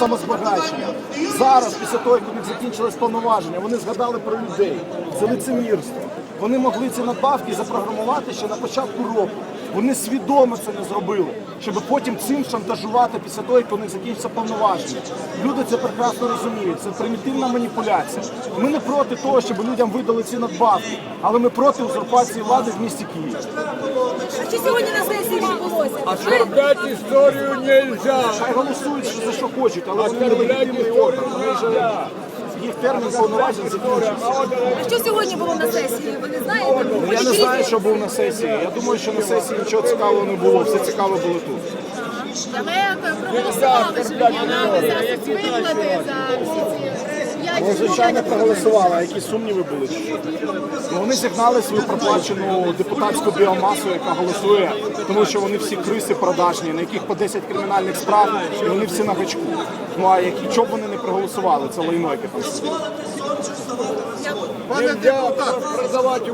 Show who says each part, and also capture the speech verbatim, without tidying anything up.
Speaker 1: самозбагачення. Зараз, після того, як у них закінчилось повноваження, вони згадали про людей. Це лицемірство. Вони могли ці надбавки запрограмувати ще на початку року. Вони свідомо це не зробили, щоб потім цим шантажувати після того, як у них закінчиться повноваження. Люди це прекрасно розуміють. Це примітивна маніпуляція. Ми не проти того, щоб людям видали ці надбавки, але ми проти узурпації влади в місті Києві.
Speaker 2: А що сьогодні на сесії відбулося?
Speaker 3: Оскорблять историю нельзя.
Speaker 1: Хай голосують за що хочуть, але вони не легітимний орган. Вони вже їх термін повноважень закінчився.
Speaker 2: А що сьогодні було на сесії? Ви не знаєте?
Speaker 1: Я не знаю, що був на сесії. Я думаю, що на сесії нічого цікавого не було. Все цікаве було тут.
Speaker 4: Але проголосували, що піднімати за виплати за всі ці п'ять
Speaker 1: Ну, звичайно, проголосували. А які сумніви були? Ну, вони зігнали свою проплачену депутатську біомасу, яка голосує, тому що вони всі криси продажні, на яких по десять кримінальних справ, і вони всі на гачку. Ну а які, чого б вони не проголосували? Це лайно, яке там.
Speaker 3: Нельзя продавать